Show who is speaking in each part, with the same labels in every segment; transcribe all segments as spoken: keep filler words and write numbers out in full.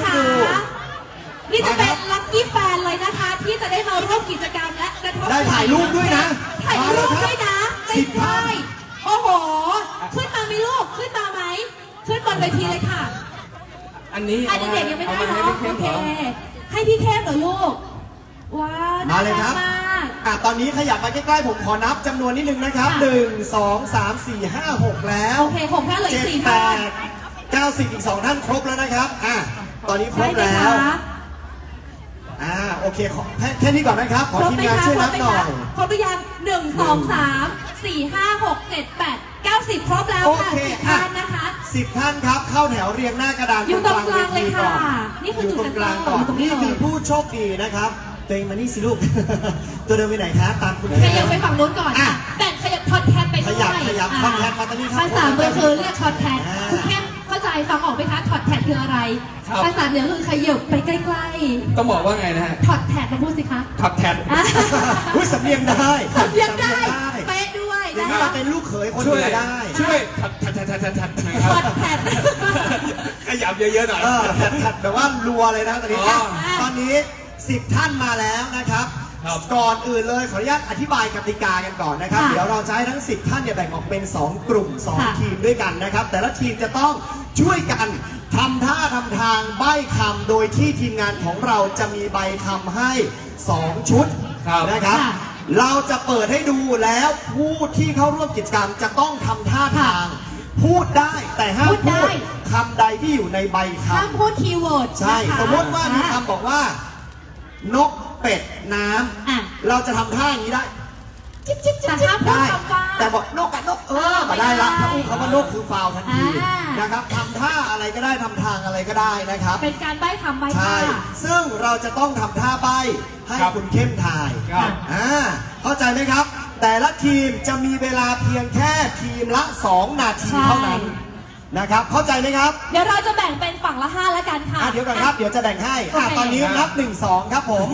Speaker 1: นะคะนี่จะเป็นลัคกี้แฟนเลยนะคะที่จะได้มาร่วมกิจกรรมและกระทบ
Speaker 2: ได้ถ่ายรูปด้วยนะ
Speaker 1: ถ่ายรูปด้วยนะ
Speaker 2: สิบท่าน
Speaker 1: โอ้โหขึ้นมาไหมลูกขึ้นมาไหมขึ้นบนเวทีเลยค่ะ
Speaker 3: อันนี้
Speaker 1: อันนี้เด็กยังไม่ได้
Speaker 3: เอามา
Speaker 1: เนาะ
Speaker 3: ให้
Speaker 1: โอ
Speaker 3: พี่
Speaker 1: เค
Speaker 3: เข้มเหรอ
Speaker 1: ให้พี่เข้มเหรอลูกว้าว
Speaker 2: มาเลยครับ
Speaker 1: น่ารักมาก
Speaker 2: อ่ะตอนนี้ขยับไปใกล้ๆผมขอนับจำนวนนิดนึงนะครับ
Speaker 1: ค่ะ
Speaker 2: หนึ่ง สอง สาม สี่ ห้า หกแล้ว
Speaker 1: โอเคหกท่านเหลืออี
Speaker 2: เจ็
Speaker 1: ก
Speaker 2: ด
Speaker 1: สี่
Speaker 2: แป
Speaker 1: ท่าน
Speaker 2: ดเก้าสิบอีกสองท่านครบแล้วนะครับอ่ะตอนนี้คร
Speaker 1: ใช่
Speaker 2: บ
Speaker 1: ไหม
Speaker 2: แล้
Speaker 1: คะ
Speaker 2: วอ่าโอเคขอแค่แค่นี้ก่อนนะครับ ขอ
Speaker 1: ครบ
Speaker 2: ทีม
Speaker 1: ไหม
Speaker 2: งาน
Speaker 1: คะ
Speaker 2: ช่วย
Speaker 1: คร
Speaker 2: นั
Speaker 1: บบ ไหม
Speaker 2: หน่อ
Speaker 1: คะ
Speaker 2: ย
Speaker 1: ครบหรือยังหนึ่งสองสามสี่ห้าหกเจ็ดแปดเก้าสิบครบแล้ว
Speaker 2: โอ
Speaker 1: ค่ะ
Speaker 2: เค
Speaker 1: สิบ
Speaker 2: อ่ะ
Speaker 1: ท่านนะคะ
Speaker 2: สิบท่านครับเข้าแถวเรียงหน้ากระดาน
Speaker 1: อยู่ตรงกลางเลยค่ะ
Speaker 2: ก่อน
Speaker 1: นี่คือ
Speaker 2: อยู่
Speaker 1: จุด
Speaker 2: ตรงกลางก่อน
Speaker 1: เซ็นเตอร์อยู่ตรงนี้
Speaker 2: นี่คือ
Speaker 1: เลย
Speaker 2: ผู้โชคดีนะครับตัวเองมานี่สิลูก ตัวเดินไปไหนคะตามคุณ
Speaker 1: ขยับไปฝั่งนู้นก่อน
Speaker 2: อ่ะ
Speaker 1: แบ่งขยับทอดแทนไปด้วย
Speaker 2: ขยับขยับ
Speaker 1: อ่ะ
Speaker 2: ทอดแทนมาตอนนี้ครับ
Speaker 1: ภาษาเบอร์คือเรียกทอดแทน
Speaker 2: อ่า
Speaker 1: คุณเข้มเข้าใจฟังออกไหมคะทอดแทนคืออะไร
Speaker 3: ครับ
Speaker 1: ภาษาเหนือคือขยับไปใกล้
Speaker 3: ต้องบอกว่าไงนะฮะ
Speaker 1: ๆทอดแทนมาพูดสิคะ
Speaker 3: ขับแทน
Speaker 1: อ่ะ
Speaker 2: อุ้ยสำเนียงได้
Speaker 1: สำเนียงได้
Speaker 2: สำเนียงได้
Speaker 1: เป๊ะด้วย
Speaker 2: อย่าง
Speaker 1: นะ
Speaker 2: นี้
Speaker 1: คะ
Speaker 2: เราเป็นลูกเขยคน
Speaker 3: ช่
Speaker 2: เห
Speaker 3: วย
Speaker 2: นือได้
Speaker 3: ช่วยถัดถัดถัดถัดถัดถัดหน่อยค
Speaker 1: ท
Speaker 3: รั
Speaker 1: อบ ดแทน
Speaker 3: ขยับเยอะๆหน่อย
Speaker 2: เออแผดๆแบบว่ารัวเลยนะตอนนี้
Speaker 3: อ๋อ
Speaker 2: อ่ะตอนนี้สิบท่านมาแล้วนะครับ
Speaker 3: ครับ
Speaker 2: ก่อนอื่นเลยขออนุญาตอธิบายกติกากันก่อนนะครับ
Speaker 1: ค่ะ
Speaker 2: เดี๋ยวเราจะให้ทั้งสิบท่านเนี่ยแบ่งออกเป็นสองกลุ่มสอง
Speaker 1: ค่ะ
Speaker 2: ทีมด้วยกันนะครับ แต่ละทีมจะต้องช่วยกันทำท่าทำทางใบ้คำโดยที่ทีมงานของเราจะมีใบคำให้สองชุด
Speaker 3: ครับ
Speaker 2: นะครับ
Speaker 1: ค่ะ
Speaker 2: เราจะเปิดให้ดูแล้วผู้ที่เข้าร่วมกิจกรรมจะต้องทำท่าทาง พูดได้แต่ห้าม
Speaker 1: พูดได้
Speaker 2: พูดคำใดที่อยู่ในใบคำ
Speaker 1: ห้ามพูดคีย์เวิร์ด
Speaker 2: ใช่
Speaker 1: นะคะ
Speaker 2: สมมติว่ามี
Speaker 1: อ่ะ
Speaker 2: คำบอกว่า นกเป็ดน้
Speaker 1: อ่ะ
Speaker 2: ำเราจะทำท่าอย่างนี้ได้จิ๊บจิ๊บจิ๊บ
Speaker 1: แต่ห้ามพูด
Speaker 2: ได้
Speaker 1: คำว่า
Speaker 2: แต่บอกนกกับนกเออ
Speaker 1: ไม่
Speaker 2: มาได้ละ
Speaker 1: ได้
Speaker 2: ถ้าอู้คำว่านกคือฟาวล์ทันที
Speaker 1: อ่าน
Speaker 2: นะครับทำท่าอะไรก็ได้ทำทางอะไรก็ได้นะครับ
Speaker 1: เป็นการใบ้คำใบ้
Speaker 2: ใช่
Speaker 1: ท่า
Speaker 2: ซึ่งเราจะต้องทำท่าใบให้
Speaker 3: ครับ
Speaker 2: คุณเข้มทาย
Speaker 3: ครับ
Speaker 2: อ่าเข้าใจไหมครับ แต่ละทีมจะมีเวลาเพียงแค่ทีมละสองนาที
Speaker 1: ใช่
Speaker 2: เท่านั้นนะครับเข้าใจไหมครับ
Speaker 1: เดี๋ยวเราจะแบ่งเป็นฝั่งละห้าแล้วกันค่ะ
Speaker 2: อ่ะเดี๋ยวก่อนครับเดี๋ยวจะแบ่งให้อ่ะ
Speaker 1: โอเค
Speaker 2: ตอนนี้นับหนึ่งสองครับผม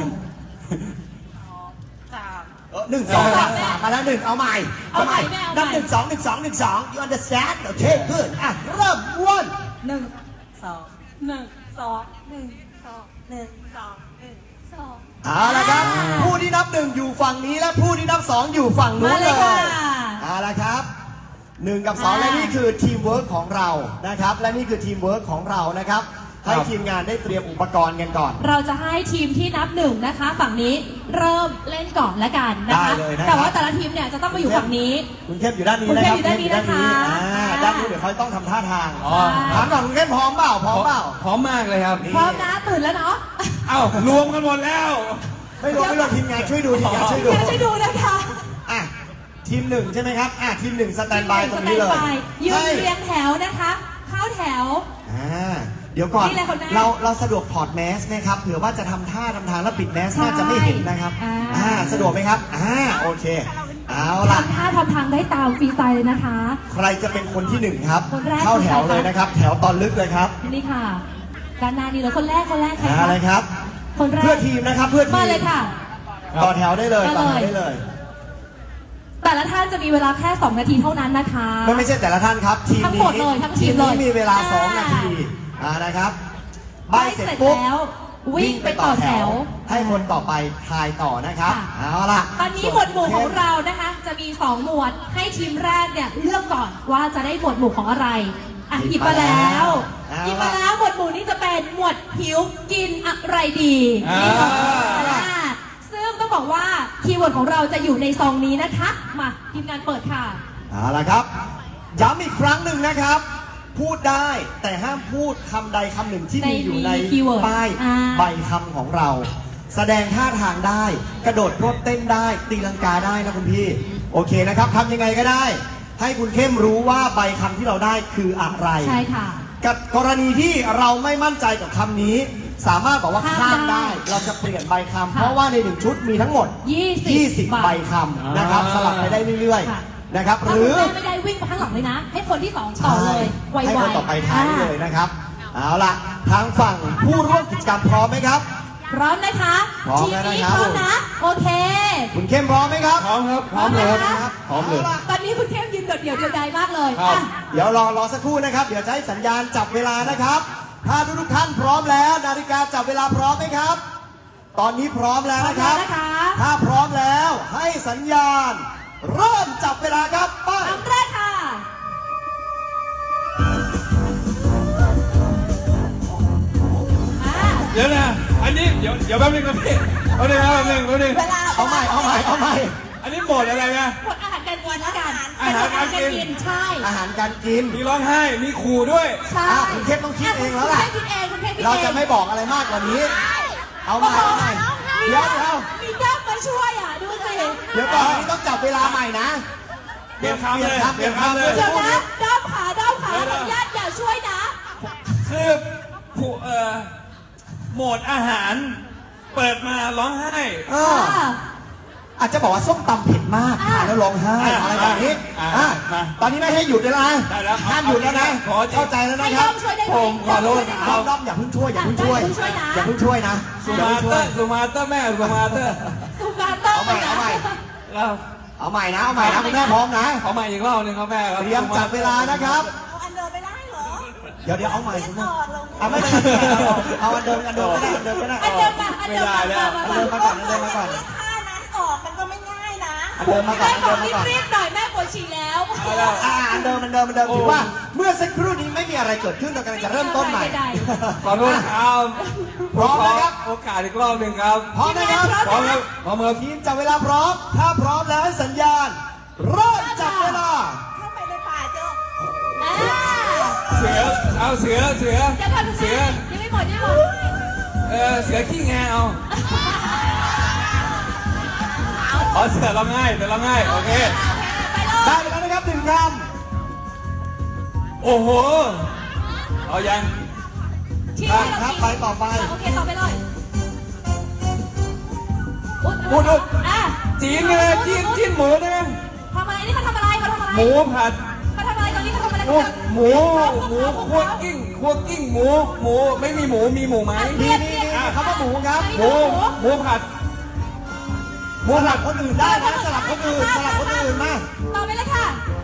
Speaker 2: เออหนึ่งสองสามสามมาแล้วหนึ่งเอาใหม่เอาใหม่
Speaker 1: เอาใหม่
Speaker 2: นับหนึ่งสองหนึ่งสองหนึ่งสอง you understand โอเค good อ่ะเริ่มวน
Speaker 4: หนึ่งสองหนึ่งสองหนึ่งสองหนึ่งสองหนึ่งสอง
Speaker 2: เอาละครับ
Speaker 1: อ่า
Speaker 2: ผู้ที่นับหนึ่งอยู่ฝั่งนี้และผู้ที่นับสองอยู่ฝั่งนู้
Speaker 1: มาน เล
Speaker 2: เลย
Speaker 1: ค่ะ
Speaker 2: ยเอาละครับหนึ่งกับสอง
Speaker 1: อ่า
Speaker 2: และนี่คือทีมเวิร์กของเรานะครับ และนี่คือทีมเวิร์กของเรานะครับ ให้
Speaker 3: ครับ
Speaker 2: ทีมงานได้เตรียมอุปกรณ์กันก่อน
Speaker 1: เราจะให้ทีมที่นับหนึ่งนะคะ ฝั่งนี้เริ่มเล่นก่อนละกันนะคะ
Speaker 2: ได้เลยนะครับ
Speaker 1: แต่ว่าแต่ละทีมเนี่ยจะต้องมาอยู่ฝั่งนี้
Speaker 2: คุณเข้มอยู่ด้านนี้
Speaker 1: คุณ
Speaker 2: นะ
Speaker 1: เข้
Speaker 2: ค
Speaker 1: ม
Speaker 2: รับ
Speaker 1: อยู่ด้านนี้นะคะ
Speaker 2: อ่า
Speaker 1: อ่า
Speaker 2: ด้านนู้นเดี๋ยวเขาต้องทำท่าทาง
Speaker 3: อ๋อ
Speaker 2: ถามก่อนคุณเข้มพร้อมเปล่าพร้อมเปล่า
Speaker 3: พร้อมมากเลยครับ
Speaker 1: พร้อมนะตื่นแล้วเนาะ
Speaker 3: เอ้ารวมกันหมดแล้ว
Speaker 2: ไม่รู้ไม่รู้ทีมงานช่วยดูทีมงานช่วยดู
Speaker 1: เดี๋ยวช่วยดูนะคะ
Speaker 2: อ่ะทีมหนึ่งใช่ไหมครับอ่ะทีมหนึ่งสแตนบายตรงนี้เลย
Speaker 1: สแตนบายยืน
Speaker 2: ให้
Speaker 1: เรียงแถวนะคะ เข้าแถว
Speaker 2: อ่าเดี๋ยวก่อน
Speaker 1: นี่แหละคนแรก
Speaker 2: เราเราสะดวกถอดแมสไหมครับเผื่อว่าจะทำท่าทำทางแล้วปิดแมส
Speaker 1: ใช่
Speaker 2: น่าจะไม่เห็นนะครับ
Speaker 1: อ่า
Speaker 2: อ่าสะดวกไหมครับอ่าโอเคเอาล่ะ
Speaker 1: ทำท่าทำทางได้ตามฟรีสไตล์เลยนะคะ
Speaker 2: ใครจะเป็นคนที่หนึ่งครับ
Speaker 1: คนแรก
Speaker 2: เข้าแถว
Speaker 1: คือใครคะ
Speaker 2: เลยนะครับ แถวตอนลึกเลยครับ
Speaker 1: นี่ค่ะด้านหน้านี่เลยคนแรกคนแรกใคร
Speaker 2: อ่า
Speaker 1: คะ
Speaker 2: อะไรครับ
Speaker 1: คนแรก
Speaker 2: เพื่อทีมนะครับเพื่อที
Speaker 1: มาม เลยค่ะ
Speaker 2: ต่อแถวได้เลย
Speaker 1: มา
Speaker 2: ต่อ
Speaker 1: เลย
Speaker 2: แถวได้เลย
Speaker 1: แต่ละท่านจะมีเวลาแค่สองนาทีเท่านั้นนะคะ
Speaker 2: ไม่ไม่ใช่แต่ละท่านครับ ทีม
Speaker 1: ทั้งหม
Speaker 2: นี้
Speaker 1: ดเลยทั้งทีม
Speaker 2: นี้
Speaker 1: เลย
Speaker 2: มีเวลาสอง
Speaker 1: อ่า
Speaker 2: นาทีอ่านะครับใบ
Speaker 1: ใบ
Speaker 2: เสร็จ
Speaker 1: เสร็จ
Speaker 2: ปุ๊บ
Speaker 1: แล้ว วิ่งไปต่อแถว
Speaker 2: ให้คนต่อไปทายต่อนะครับ
Speaker 1: ค่ะ
Speaker 2: เอาล่ะ
Speaker 1: ตอนนี้หมวดหมู่ของเรานะคะ จะมีสองหมวดให้ทีมแรกเนี่ยเลือกก่อนว่าจะได้หมวดหมู่ของอะไรอ่ะหยิบมาแล้วหยิบมาแล้วหมวดหมู่นี้จะเป็นหมวดหิวกินอะไรดี
Speaker 3: อ่า
Speaker 1: นี่ก่อนอ่าซึ่งต้องบอกว่าคีย์เวิร์ดของเราจะอยู่ในซองนี้นะคะมาทีมงานเปิดค่ะ
Speaker 2: เอาล่ะครับ ย้ำอีกครั้งหนึ่งนะครับ พูดได้แต่ห้ามพูดคำใดคำหนึ่งที่มีอยู่ใน
Speaker 1: ในคีย์เวิร์ด
Speaker 2: ป้าย
Speaker 1: อ่า
Speaker 2: ใบคำของเรา แสดงท่าทางได้ กระโดดรถเต้นได้ ตีลังกาได้นะคุณพี่ โอเคนะครับทำยังไงก็ได้ ให้คุณเข้มรู้ว่าใบคำที่เราได้คืออะไร
Speaker 1: ใช่ค่ะ
Speaker 2: กับกรณีที่เราไม่มั่นใจกับคำนี้ สามารถบอกว่า
Speaker 1: ข้าม
Speaker 2: ข้ามได้
Speaker 1: ได้
Speaker 2: เราจะเปลี่ยนใบคำ
Speaker 1: ค่ะ
Speaker 2: เพราะว่าในหนึ่งชุดมีทั้งหมด
Speaker 1: ยี่สิบ
Speaker 2: ยี่สิบ
Speaker 1: ใบ
Speaker 2: ใบคำนะครับ
Speaker 3: อ่า
Speaker 2: สลับไปได้เรื่อย
Speaker 1: ค่ะ
Speaker 2: ๆนะครับ ห
Speaker 1: ถ้า
Speaker 2: รื
Speaker 1: คุณ
Speaker 2: อ
Speaker 1: แม่ไม่ได้วิ่งไปข้างหลังเลยนะ ให้คนที่สองต่อเลยไวๆ
Speaker 2: ให้คนต่อไปท้ายเลยนะครับ เอาล่ะ ทางฝั่งผู้ร่วมกิจกรรมพร้อมไหมครับ
Speaker 1: พร้อมนะคะ
Speaker 2: พร้อม
Speaker 1: ทีม
Speaker 2: แล้วนะ
Speaker 1: นี้
Speaker 2: ครับ
Speaker 1: พร้อมนะ โอเค
Speaker 2: คุณเข้มพร้อมไหมครับ
Speaker 3: พร้อมครับ พร้อมเลย
Speaker 1: พร้อม
Speaker 3: ค
Speaker 1: นะ
Speaker 3: รั
Speaker 1: คะ
Speaker 3: บ พร้อมเลย
Speaker 2: าล่ะ
Speaker 1: ตอนนี้คุณเข้มยืนโดดเดี่ยวเดียวดายมากเลย
Speaker 3: ครับ
Speaker 1: อ่ะ
Speaker 2: เดี๋ยวรอรอสักครู่นะครับ เดี๋ยวจะให้สัญญาณจับเวลานะครับ พถ้าทุกทุกๆท่านพร้อมแล้ว นาฬิกาจับเวลาพร้อมไหมครับ ตอนนี้พร้อมแล้วนะครับ
Speaker 1: พร้อมแล้วนะคะ
Speaker 2: ถ้าพร้อมแล้วให้สัญญาณ เริ่มจับเวลาครับไป
Speaker 1: คำแรกค่ะ อ่า
Speaker 3: เดี๋ยวนะ อันนี้เดี๋ยวเดี๋ยวแป๊บนึงนะพี่เอาหนึ่งครับแป๊บนึงแป๊บนึง
Speaker 4: เวลา
Speaker 2: เอาใหม่เอาใหม่เอาใหม่
Speaker 3: อันนี้โหมดอะไรนะ
Speaker 1: หมดอาหารการกินแล้วกัน
Speaker 3: อาหารการกิน
Speaker 1: เป็ใช่
Speaker 2: อาหารการกิน
Speaker 3: มีร้องไห้ มีขู่ด้วย
Speaker 1: ใช่
Speaker 2: อ่ะคุณเทพต้องคิดเองแล้วล่ะ
Speaker 1: คุณเทพคิดเองคุณเทพคิดเอง
Speaker 2: เราจะไม่บอกอะไรมากกว่านี้ เอาใหม่เอาใหม่เดี๋ยวเดี๋ยว
Speaker 1: มีด้อมมาช่วยอ่ะ ดูสิ
Speaker 2: เดี๋ยวก่อนอันนี้ต้องจับเวลาใหม่นะ
Speaker 3: เปลี่ยนคำเลย
Speaker 2: เปลี่ยนคำ
Speaker 3: เปลี่ยนคำเลย
Speaker 1: เดี๋ยวนะด้อมขาด้อมขา
Speaker 3: เดี๋
Speaker 1: ข
Speaker 3: ยว
Speaker 1: อ
Speaker 3: นะ
Speaker 1: อนุญาตอย่าช่วยนะ
Speaker 3: คือผู้เอ่อโหมดอาหาร เปิดมาร้องไห้
Speaker 2: เออ อาจจะบอกว่าส้มตำเผ็ดมาก
Speaker 1: อ่ะ
Speaker 2: ทานแล้วร้องไห้
Speaker 3: อ่ะ
Speaker 2: อะไรแบบนี้
Speaker 3: อ่ะ
Speaker 2: อ่ะ
Speaker 3: มา
Speaker 2: ตอนนี้ไม่ให้หยุดเลยนะ
Speaker 3: ได้แล้ว
Speaker 2: ห้ามหยุดแล้วนะ
Speaker 3: ขอจริง
Speaker 2: เข้าใจแล้ว
Speaker 1: ให้
Speaker 2: นะค
Speaker 1: ด้
Speaker 2: รั
Speaker 1: อบ มช่วยได้ไหม
Speaker 3: ผมขอโทษ
Speaker 2: ด้อมด้อมอย่าเพิ่งช่วยอย่าเพิ่งช่วย
Speaker 1: อย่าเพิ่งช่วยนะ
Speaker 2: อย่าเพิ่งช่วย
Speaker 3: สุ
Speaker 2: อย่า
Speaker 3: มา
Speaker 2: เพิ่ง
Speaker 3: เต
Speaker 2: ช่
Speaker 3: อ
Speaker 2: วย
Speaker 3: ร์สุมาเตอร์แม่สุมาเตอร์
Speaker 1: สุมาเตอร์
Speaker 2: เอาใหม่เอาใหม่
Speaker 3: เรา
Speaker 2: เอาใหม่นะเอาใหม่นะคุณแม่พร้อมนะ
Speaker 3: ขอใหม่อีกรอบหนึงครับแม่ครับ
Speaker 2: เตรียมจับเวลานะครับ
Speaker 4: เอาอันเดิมไม่ได้เหรอ
Speaker 2: เดี๋ยวเดี๋ยวเอาใหม่คุณแม่
Speaker 4: ต่อลง
Speaker 2: เอาไม่เป็นไรเอาอันเดิมอันเดิมก็ได้อันเดิมก็ได้
Speaker 1: อันเดิมมาอันเดิมมามามา
Speaker 2: อันเดิมมาก่อนอันเดิมมาก่อน
Speaker 4: ท่านั้นออกมันก็ไม่ง่ายนะ
Speaker 2: อันเดิมมาก่อน
Speaker 1: แม่
Speaker 2: อัน
Speaker 1: บอ
Speaker 2: เดิ
Speaker 1: ก
Speaker 2: มมาก่อน
Speaker 1: รีบๆหน่อยแม่ปวดฉี่แล้ว
Speaker 3: เอาแล้ว
Speaker 2: อ่าอันเดิมอันเดิมอันเดิมถือว่าเมื่อสักครู่นี้ไม่มีอะไรเกิดขึ้นเรากำลังจะเริ่มต้นใหม่
Speaker 3: ขอโทษครับ
Speaker 2: พร้อมนะครับ
Speaker 3: โอกาสอีกรอบหนึ่งครับ
Speaker 2: พร้อมนะครับ
Speaker 3: พร้อมครับพร้อมครับ
Speaker 2: ทีมจับเวลาพร้อม ถ้าพร้อมแล้วให้สัญญาณ เริ่มจับเวลา
Speaker 4: เข้าไปในป่าเจอ
Speaker 1: อ่า
Speaker 3: เสือเอาเสือเสือ
Speaker 1: เดี๋ยวก่อนคุณ
Speaker 3: เสื
Speaker 1: แม่
Speaker 3: อ
Speaker 1: ยังไม่หมดยังไม่หมด
Speaker 3: เออเสือขี้แงเอาอ๋อเสือร้องไห้เสือร้องไห้โอเค
Speaker 1: ไปเลย
Speaker 2: ได้ไปแล้วนะครับหนึ่งค
Speaker 3: โอ้โหเอายัง
Speaker 1: ที่
Speaker 2: ำได้ครับไปต่อไป
Speaker 1: โอเคต่อไปเลย
Speaker 3: พูดดู
Speaker 1: อ่ะ
Speaker 3: จีนเลยจีนจีนหมูได้ไหม
Speaker 1: ทำอะไรนี่เขาทำอะไรเขาทำอะไร
Speaker 3: หมูผัด
Speaker 1: เขาทำอะไรตอนนี้เขาทำอะไร
Speaker 3: หมูหมูหมูคั่วกิ้งคั่วกิ้งหมูหมูไม่มีหมูมีหมูไหม
Speaker 2: มีมีมีคำว่าหมูครับ
Speaker 3: หมูหมูผัด
Speaker 2: หมูสลับคนอื่นได้นะสลับคนอื่นสลับคนอื่นมา
Speaker 1: ต่อไปเลยค่ะ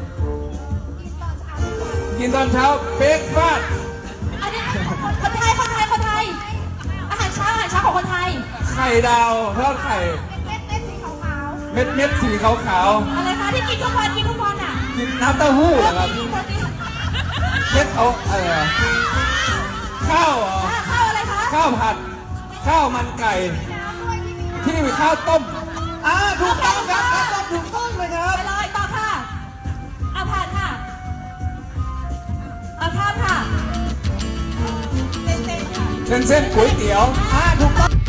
Speaker 3: กินตอนเช้าเบรกฟาสต์
Speaker 1: อันนี้คนไทยคนไทยคนไทย อาหารเช้าอาหารเช้าของคนไทย
Speaker 3: ไข่ดาวทอดไข่
Speaker 4: เม็ดเม็ดสีขาว
Speaker 3: เม็ดเม็ดสีขาวขาว
Speaker 1: อะไรคะที่กินทุกวันกินทุกวันอ่ะ
Speaker 3: ๆกินน้ำเต้าหู้เหรอครับ
Speaker 1: กินโปรตีน
Speaker 3: เม็ดเขาอะไรอะข้าวเหรอ
Speaker 1: อ่ะข้าวอะไรคะ
Speaker 3: ข้าวผัด ข้าวมันไก่ ที่มีข้าวต้ม
Speaker 2: อ่าถูกต้องครับครับถูกต้องเลยครับ
Speaker 1: ไปเลยต่อค่ะเอาผ่านค่ะเอาข้ามค่ะ
Speaker 4: ๆเส้นๆค่ะ
Speaker 3: เส้นเส้นก๋วยเตี๋ยว
Speaker 2: อ่าถูกต้อง